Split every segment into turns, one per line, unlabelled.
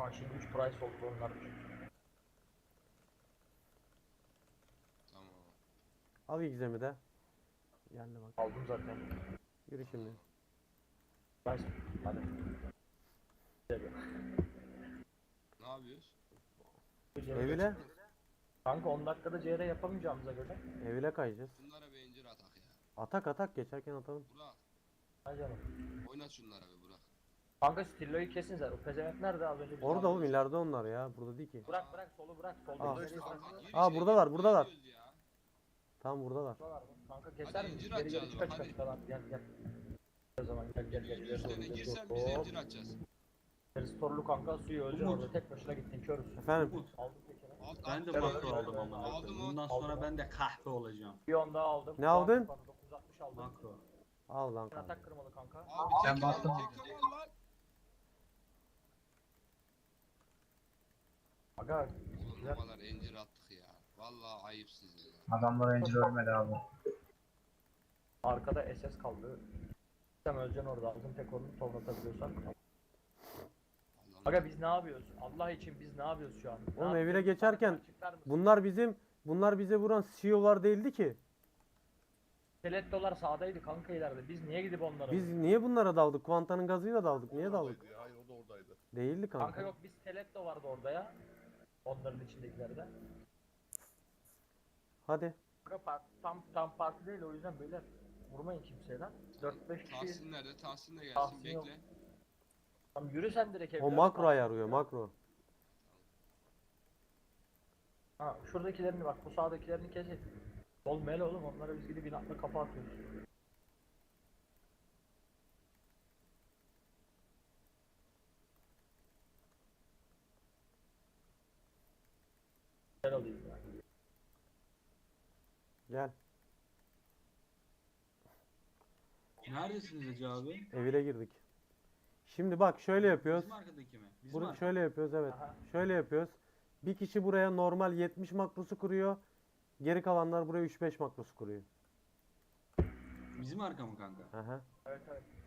Ha şimdi 3 price oldu onlar.
Tamam.
Al egzemi de. Geldi bak.
Aldım zaten.
Yürü şimdi.
Price. Hadi.
Ne yapıyoruz?
Evile.
Kanka 10 dakikada CR yapamayacağımıza göre.
Evile kayacağız.
Bunlara bir incir atak ya.
Atak atak geçerken atalım.
Burak.
Ha canım.
Oynat şunlara bir Burak.
Kanka Stillo'yu kesin zaten. O pezevenk nerede az önce?
Orada oğlum ileride onlar ya. Burada değil ki.
Bırak solu bırak. Solda
Aa.
içeri bırak.
Kanka gir
Aa,
içeri,
buradalar,
gir,
buradalar.
ne diyoruz ya?
Tam buradalar.
Burada var mı? Kanka keser
Hadi
misin?
incir
Geri geri
atacağız
çıka
bak,
çıka
hadi.
çıka lan. Gel. O zaman gel.
Yürü üstlerine girsen biz incir atacağız.
Restorlu kanka suyu öleceksin
Umut.
orada. Tek başına gittin körüz.
Efendim.
Umut,
Aldım tekini.
ben de
Gel
makro
oğlum,
aldım
gel,
amına
aldım
koyayım.
o.
Bundan
Aldım
sonra
o.
ben de kahve olacağım.
Bir on daha aldım.
Ne aldın?
960 aldım.
Makro.
Al lan kanka.
Atak kırmalı kanka.
Abi
Ben
tek
bastım.
al lan.
Aga
Oğlum ne kadar incir attık ya. Vallahi ayıp size ya.
Adamlar Angel ölmedi abi.
arkada SS kaldı. Sen öleceksin orada. Aldım tek onu tovlatabiliyorsan.
Allah'ım.
Aga biz ne yapıyoruz? Allah için biz ne yapıyoruz şu an? Ne
Oğlum evine
yapıyoruz?
geçerken
Açıklar mısın?
bunlar bize vuran CEO'lar değildi ki.
Stilettolar sağdaydı kanka ileride. Biz niye gidip onlara
Biz
vuruyoruz?
niye bunlara daldık? Kuantanın gazıyla daldık. Niye daldık?
Oradaydı ya, hayır o da oradaydı.
Değildi
Kanka
kanka.
yok biz stiletto vardı orada ya. Onların içindekilerde.
Hadi.
Kanka tam parti değil o yüzden böyle vurmayın kimseye lan. 4-5 kişi.
Tahsin nerede? Tahsin de gelsin,
Tahsin yok.
bekle.
Tamam yürü sen direkt evine.
O makro ayarıyor makro.
Ha şuradakilerini bak bu sağdakilerini kesin. Oğlum hele oğlum onlara biz gidip inatla kafa atıyoruz. Gel alayım ya.
Gel.
Neredesiniz Hacı abi?
Evine girdik. Şimdi bak şöyle yapıyoruz.
Bizim arkadaki mi? Bizim
Bunu
arkadaki.
şöyle yapıyoruz evet.
Aha.
Şöyle yapıyoruz. Bir kişi buraya normal 70 makrosu kuruyor. Geri kalanlar buraya 3-5 makrosu kuruyor.
Bizim arka mı kanka?
Aha.
Evet.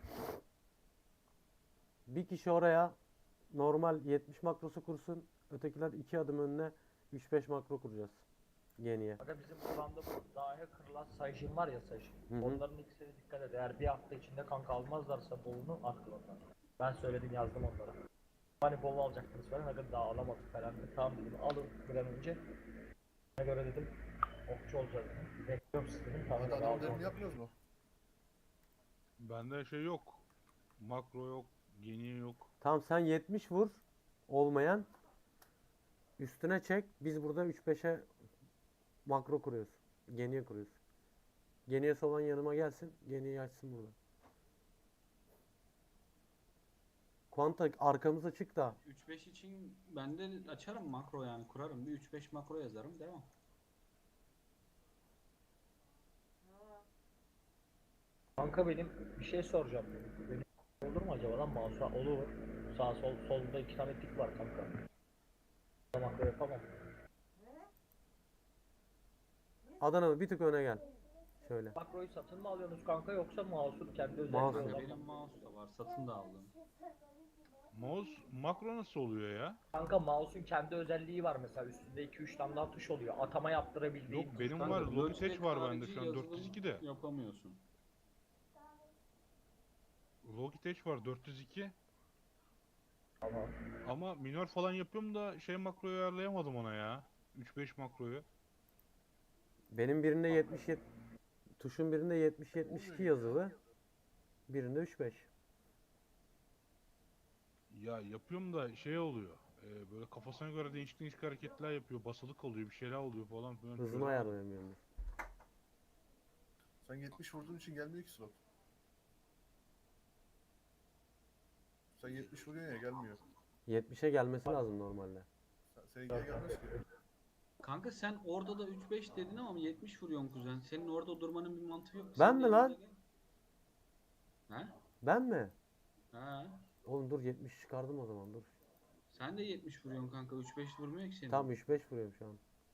Bir kişi oraya normal 70 makrosu kursun. Ötekiler 2 adım önüne 3-5 makro kuracağız. Geniye.
Aga bizim kuranda bu dahi kırılan sayışın var ya sayışın.
Hı hı.
Onların ikisine dikkat et. Eğer bir hafta içinde kanka almazlarsa bolunu at onlar. Ben söyledim yazdım onlara. Hani bol alacaktınız falan aga daha alamadık falan. Tamam dedim alın bir an önce. Ne göre dedim okçu olacağız dedim. Bekliyorum sizi dedim. Tamam
Hadi
dedim,
adamın
aldım
derini
onu.
yapmıyoruz mu?
Bende şey yok. Makro yok. Geniye yok.
Tamam sen 70 vur. Olmayan. Üstüne çek. Biz burada 3-5'e makro kuruyoruz. Geniye kuruyoruz. Geniyesi olan yanıma gelsin. Geniyi açsın burada. Kuanta arkamıza çık da.
3-5 için ben de açarım makro yani kurarım. Bir 3-5 makro yazarım. Devam.
Kanka benim bir şey soracağım. Benim olur mu acaba lan mouse'a? Olur. Sağ sol solda 2 tane tik var kanka. Tamam yapamam.
Adanalı bir tık öne gel. Şöyle.
Makroyu satın mı alıyorsunuz kanka yoksa mouse'un kendi özelliği
Mouse.
olan
Kanka
mı?
benim mouse da var. Satın da aldım.
Mouse makro nasıl oluyor ya?
Kanka mouse'un kendi özelliği var mesela üstünde 2-3 tane daha tuş oluyor. Atama yaptırabildiğin.
Yok benim
Kanka,
var.
Logitech
Logitech var bende
harici
şu an
yazılım
402'de.
Yapamıyorsun.
Logitech var 402.
Tamam.
Ama minör falan yapıyorum da şey makroyu ayarlayamadım ona ya. 3-5 makroyu.
Benim birinde 77 tuşun birinde 70-72 yazılı. Birinde 3-5.
Ya yapıyorum da şey oluyor. Böyle kafasına göre değişik değişik hareketler yapıyor. Basılı kalıyor, bir şeyler oluyor falan filan.
Hızını
Şöyle-
ayarlayamıyorum.
Sen 70 vurduğun için gelmiyor ki slot. Sen 70 vuruyorsun ya gelmiyor.
70'e gelmesi lazım normalde.
Seninkiye gelmez ki.
Kanka sen orada da 3-5 dedin ama 70 vuruyorsun kuzen. Senin orada durmanın bir mantığı yok.
Ben
Sen
mi
de
lan?
yanına gel. He?
Ben mi?
He.
Oğlum dur 70 çıkardım o zaman dur.
Sen de 70 vuruyorsun kanka. 3-5 vurmuyor ki senin.
Tam 3-5 vuruyorum şu an.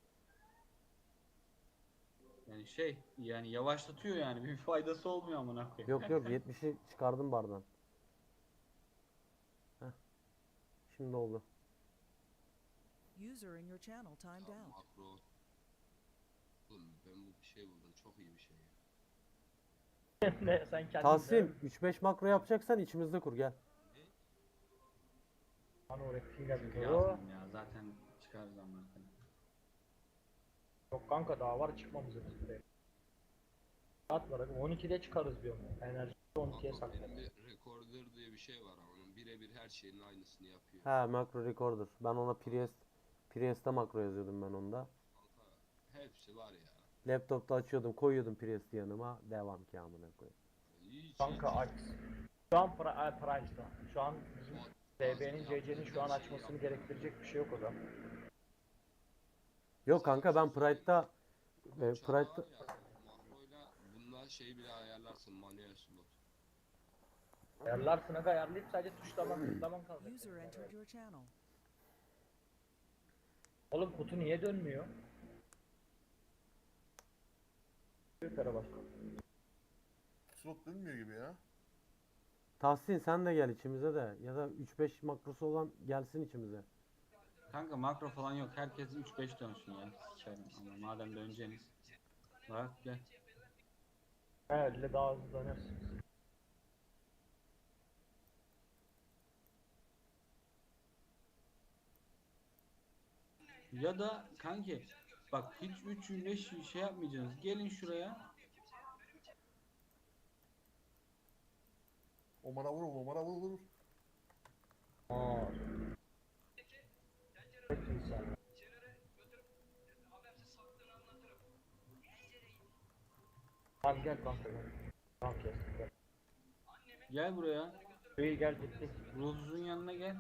Yani şey yani yavaşlatıyor yani bir faydası olmuyor amına koyayım.
Yok yok 70'i çıkardım bardan. Heh. Şimdi oldu.
User in your channel timed
Ya
out.
makro. Oğlum ben bu bir şey buldum. Çok iyi bir şey.
Ne sen kendin
Tahsin 3-5 makro yapacaksan içimizde kur gel.
Hani oraya finger
Çünkü
diyor.
yazdım ya. Zaten çıkar zamanla.
Yok kanka daha var çıkmamız için. Saat var. 12'de çıkarız diyorum. Enerji 12'ye
Makro
saklar.
benim bir recorder diye bir şey var ama onun birebir her şeyin aynısını yapıyor.
Ha macro recorder. Ben ona Priest'te makro yazıyordum ben onda.
Kanka hepsi var ya.
Laptopta açıyordum koyuyordum Priest'i yanıma. Devam ki amına koyayım.
Hiç
Kanka aç. Şu an Price'da. Şu an bizim DB'nin CC'nin şu an açmasını gerektirecek bir şey yok o zaman.
Yok kanka ben Pride'da
Pride'da
Pride'da
makroyla bununla şey bile ayarlarsın manuel slot.
Ayarlarsın aga ayarlayıp sadece tuşlaman kalacak.
User entered your channel.
Oğlum kutu niye dönmüyor? Yukarı bak.
Slot dönmüyor gibi ya.
Tahsin sen de gel içimize de ya da 3-5 makrosu olan gelsin içimize.
Kanka makro falan yok. Herkes 3-5 dönsün ya. Sikerim ama madem döneceğiniz. Bak gel.
Öyle daha hızlı dönersin.
Ya da kanki bak hiç 3-5 şey yapmayacaksınız. Gelin şuraya.
Omar'a vur, Omar'a vur, vur.
Aa. Çok insan. Tamam gel kanka gel. Tamam kestik gel.
Gel buraya.
İyi gel gittik.
Ruhsuzun yanına gel.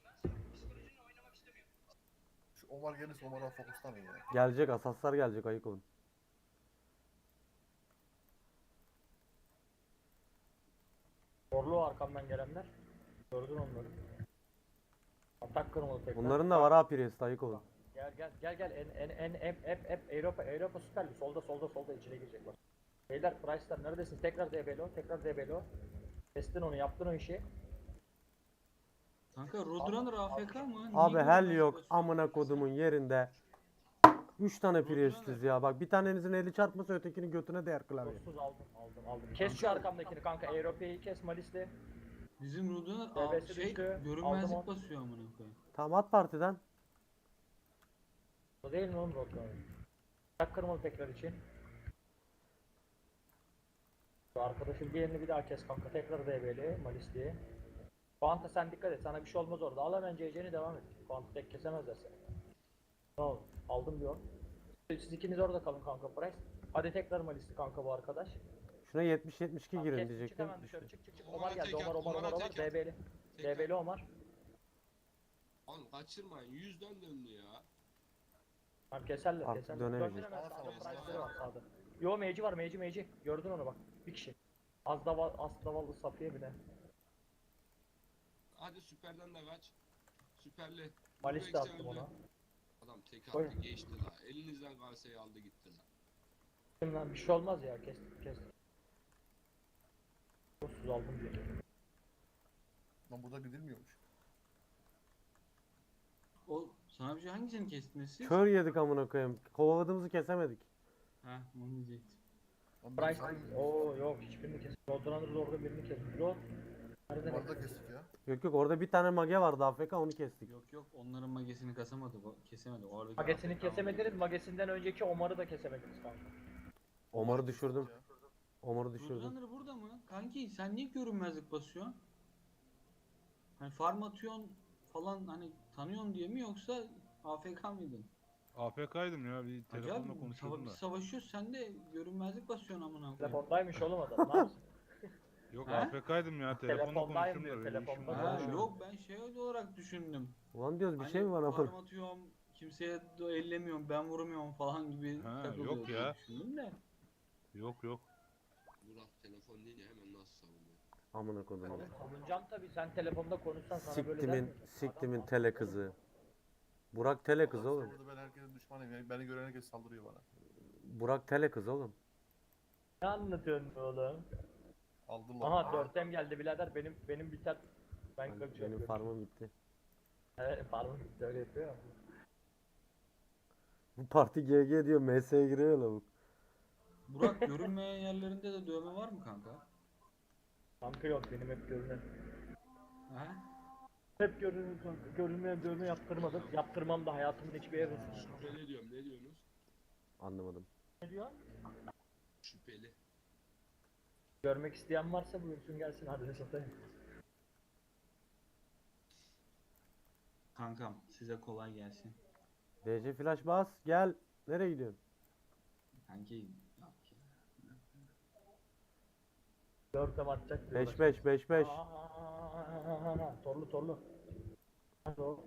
Şu Omar gelirse Omar'a fokuslanın ya.
Gelecek asaslar gelecek ayık olun.
Zorlu arkamdan gelenler. Gördün onları. Atak kırmalı tekrar.
Bunların da var ha Priest ayık olun.
Gel Avrupa Süper Lig solda içine girecek bak. Beyler Price'lar neredesin? Tekrar DB'lo. Kestin onu yaptın o işi.
Kanka Roadrunner AFK mı? Niye
Abi hell
görünmez
yok
basıyor?
amına kodumun yerinde. 3 tane Priest'iz ya bak bir tanenizin eli çarpmasa ötekinin götüne değer klavye.
Dostuz aldım. Kes şu arkamdakini kanka. Avrupa'yı kes Malis'te.
Bizim Roadrunner
DB'si
şey
düştü. Aldım
görünmezlik
onu.
basıyor amına koyayım.
Tamam at partiden.
O değil mi oğlum Roadrunner? Atak kırmalı tekrar için. Şu arkadaşın diğerini bir daha kes kanka. Tekrar DB'li Malis'te. Kuanta sen dikkat et. Sana bir şey olmaz orada. Al hemen CC'ni devam et. Kuanta tek kesemezler seni. Tamam. Aldım diyor. Siz ikiniz orada kalın kanka Price. Hadi tekrar Malis'ti kanka bu arkadaş.
Şuna 70-72
Tamam,
girin
kes, çık
diyecektim.
hemen dışarı çık.
Omar'a
Omar geldi.
tek at,
Omar.
Omar'a tek at.
DB'li.
Tek
DB'li Omar.
Oğlum kaçırmayın 100'den döndü ya.
Tamam keserler
Artık
keserler.
dönemeyecek.
Döndün hemen sağda
Sağda,
Price'ları var sağda. Yo meci var meci. Gördün onu bak. Bir kişi. Az davallı Safiye bile.
Hadi süperden de kaç. Süperli.
Malis de
Durex
attım
öldü.
ona.
Adam tek
Oy.
attı geçti la. Elinizden kalseyi aldı gitti la.
Şimdi lan bir şey olmaz ya kestik. Dostuz aldım diye.
Lan burada gidilmiyormuş.
O sana bir şey hangisini kestiniz siz?
Kör yedik amına koyayım. Kovaladığımızı kesemedik.
Ha onu diyecektim.
Lan
Price.
sen-
Oo yok hiçbirini kes. Roadrunner'da orada birini kes. Rod. Nereden
Omar'da
kes?
kestik ya.
Yok orada bir tane mage vardı AFK onu kestik.
Yok onların magesini kasamadı bu kesemedi. Oradaki
Magesini
AFK
kesemediniz. Magesinden önceki Omar'ı da kesemediniz kanka.
Omar'ı düşürdüm.
Ya.
Omar'ı düşürdüm.
Roadrunner burada mı? Kanki sen niye görünmezlik basıyorsun? Hani farm atıyorsun falan hani tanıyorsun diye mi yoksa AFK mıydın?
AFK'ydım ya bir telefonla
Acaba
konuşuyordum da.
savaşıyoruz sen de görünmezlik basıyorsun amına koyayım.
Telefondaymış oğlum adam. Ne yapsın?
Yok
He?
AFK'ydim ya telefonla
Telefondayım
konuşuyorum da
diyor,
öyle işim
telefonda
var.
Ha,
konuşuyorum.
yok ben şey olarak düşündüm.
Ulan diyoruz bir
Hani
şey mi var
farm
ama?
atıyorum kimseye de ellemiyorum ben vurmuyorum falan gibi
Ha,
takılıyor
yok
diye
ya.
düşündüm de.
Yok.
Burak telefon deyince hemen nasıl savunuyor?
Amına kodum.
Oğlum savunacağım tabii. Sen telefonda konuşsan sana böyle der
Siktimin,
miyim?
siktimin
Adam-
tele kızı. Burak tele kız
Adam
oğlum.
Burada ben herkesin düşmanıyım. Yani beni gören herkes saldırıyor bana.
Burak tele kız oğlum.
Ne anlatıyorsun oğlum?
Aldılar.
Aha 4'tem geldi birader. Benim biter. Ben
Benim
kaçıyorum.
farmım bitti.
Evet farmı bitti öyle yapıyor ya.
Bu parti GG diyor. MS'ye giriyor lavuk.
Burak, görünmeyen yerlerinde de dövme var mı kanka?
Kanka yok, benim hep görünen.
Ha?
Hep görünen kanka. Görünmeyen dövme yaptırmadım. Yaptırmam da hayatımın hiçbir yerine.
Şüpheli diyorum, ne diyorsunuz?
Anlamadım.
Ne diyor?
Şüpheli.
Görmek isteyen varsa buyursun gelsin, adres satayım.
Kankam size kolay gelsin.
DC flash bas. Gel. Nereye gidiyorsun?
Kanki yok ya.
4'e atacak.
5-5 5-5.
Torlu. Hadi o.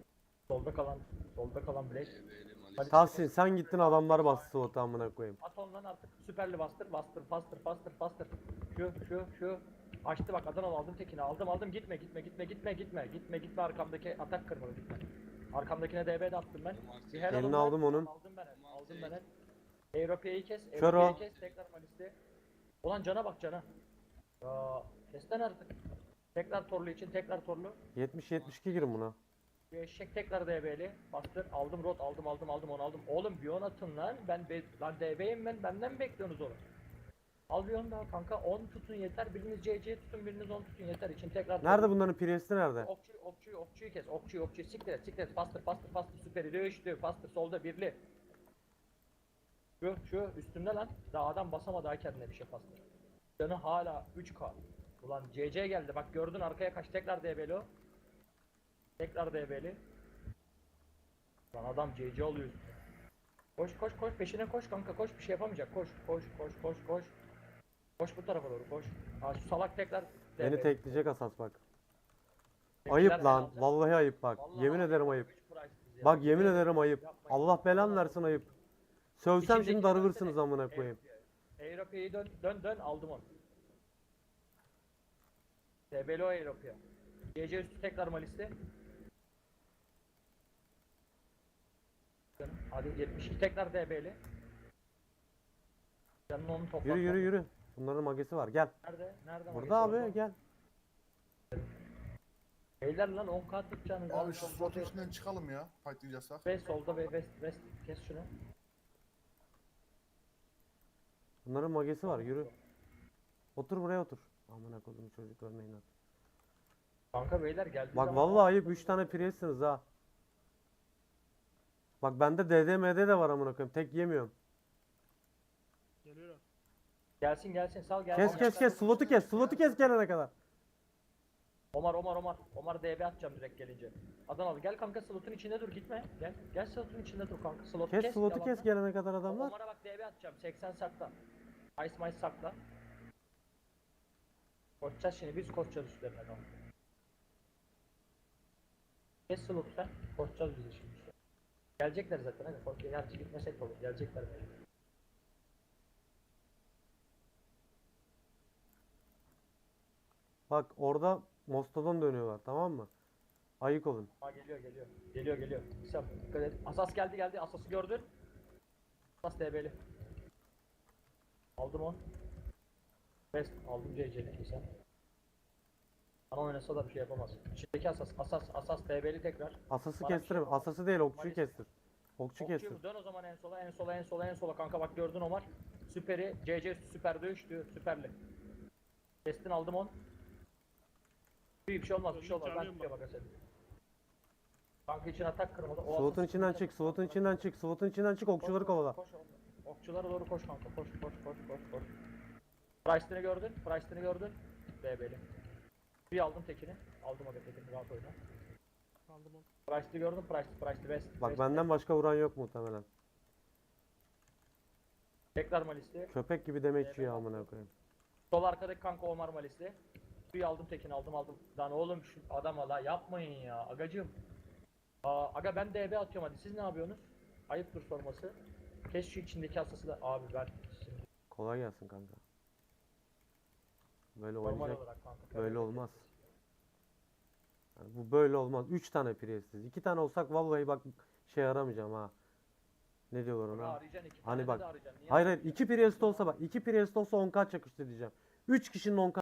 Solda kalan Black.
DB'li
Hadi.
Malis'i.
Tahsin sen gittin adamlar bastı slotu amına koyayım.
At ondan artık süperli bastır. Şu. Açtı bak, Adanalı aldım tekini, aldım, gitme arkamdaki atak kırmalı, gitme. Arkamdakine DB de attım ben. Bir her
Elini
alın ben.
aldım onun.
Aldım ben. Europa'yı kes,
Kör o.
tekrar Malis'te. Ulan cana bak cana. Ya kesten artık. Tekrar torlu için, tekrar torlu.
70-72 girin buna.
Bir eşek tekrar DB'li. Bastır. Aldım rot. Aldım onu aldım. Oğlum bir 10 atın lan. Lan DB'yim ben. Benden mi bekliyorsunuz oğlum? Al bir 10 daha kanka. 10 tutun yeter. Biriniz CC tutun. Biriniz 10 tutun yeter. İçin tekrar.
Nerede bunların priesti nerede?
Okçuyu kes. Okçuyu. Siktir et. Bastır. Süperi dövüştü. Bastır solda birli. Şu üstünde lan. Daha adam basamadı ha kendine bir şey bastır. Canı hala 3K. Ulan CC geldi. Bak gördün arkaya kaç. Tekrar DB'li o. Tekrar DB'li. Lan adam CC oluyor üstüne. Koş peşine koş kanka, koş, bir şey yapamayacak, koş. Koş bu tarafa doğru, koş. Ha şu salak tekrar
Beni
DB.
tekleyecek asas bak.
Tekrar
Ayıp
sen
lan.
alacaksın.
Vallahi ayıp bak.
Vallahi
Yemin ederim ayıp.
üç price ya.
Bak yemin ederim ayıp.
Yapmayın.
Allah belanı versin ayıp. Sövsem şimdi
İçindeki
darılırsınız
versene.
amına koyayım.
Europa'yı dön aldım onu. DB'li o Europa'ya. GC üstü tekrar Malis'te. Hadi 72 tekrar DB'li. Canını onu topla.
Yürü. Bunların magesi var. Gel.
Nerede?
Burada
magesi
abi gel.
Beyler lan 10k tutacağınız.
Abi şu slotun içinden çıkalım ya. Fightlayacaksak.
Ve solda ve west kes şunu.
Bunların magesi var. Yürü. Otur buraya otur. Amına koydum çocuklarına inat.
Kanka beyler geldi.
Bak vallahi ayıp 3 tane priestsiniz ha. Bak bende DDMD de var amına koyayım. Tek yemiyorum.
Gelsin sal gelsin.
Kes. Slotu kes gelene kadar.
Omar DB atacağım direkt gelince. Adanalı gel kanka, slotun içinde dur, gitme. Gel slotun içinde dur kanka. Slotu
Kes slotu kes
yalandan.
gelene kadar adamlar.
Omar'a bak DB atacağım. 80 sakla. Ice sakla. Koşacağız şimdi, biz koşacağız üstlerine kanka. Kes slotu sen. Koşacağız biz de şimdi. Gelecekler zaten, hadi koş. Gerçi gitmesek de olur. Gelecekler belki.
Bak orada Mostodon dönüyorlar tamam mı? Ayık olun.
Aa geliyor. İsam dikkat et. Asas geldi. Asası gördün. Asas DB'li. Aldım on. Best aldım CC'li sen. Bana oynasa da bir şey yapamaz. İçindeki asas DB'li tekrar.
Asası
Bana bir
kestirme.
şey-
Asası değil okçuyu
Maalesef.
kestir. Okçu kestir.
Okçuyu dön o zaman en sola kanka, bak gördün Omar. Süperi CC üstü süper dövüştü, süperli. Kestin aldım on. Bir şey olmaz. Ben tutuyor bak sen. Kanka için atak kırmadı. O
Slotun
asas-
içinden çık. Slotun içinden çık. Okçuları kovala.
Koş. Okçulara doğru koş kanka. Koş. Price'ını gördün. DB'li. Bir aldım tekini. Aldım o tekini, rahat oyna. Price'ını gördün. Price'lı best.
Bak
best,
benden
best.
başka vuran yok muhtemelen.
Tekrar Malisli.
Köpek gibi demeç yiyor amına koyayım.
Sol arkadaki kanka Omar Malisli. Bir aldım tekini, aldım. Lan oğlum şu adama la yapmayın ya agacım. Aga ben DB atıyorum, hadi siz ne yapıyorsunuz? Ayıptır sorması. Kes şu içindeki asası da abi, ben şimdi
Kolay gelsin kanka. Böyle
normal
oynayacak.
olarak kanka.
Böyle olmaz. Yani bu böyle olmaz. 3 tane priestsiz. 2 tane olsak vallahi bak şey aramayacağım ha. Ne diyorlar
Bunu
ona?
arayacaksın, iki
Hani
tane
bak.
de arayacaksın. Niye
Hayır
arayacaksın?
2 priest olsa bak. 2 priest olsa 10k çakıştı diyeceğim. 3 kişinin 10k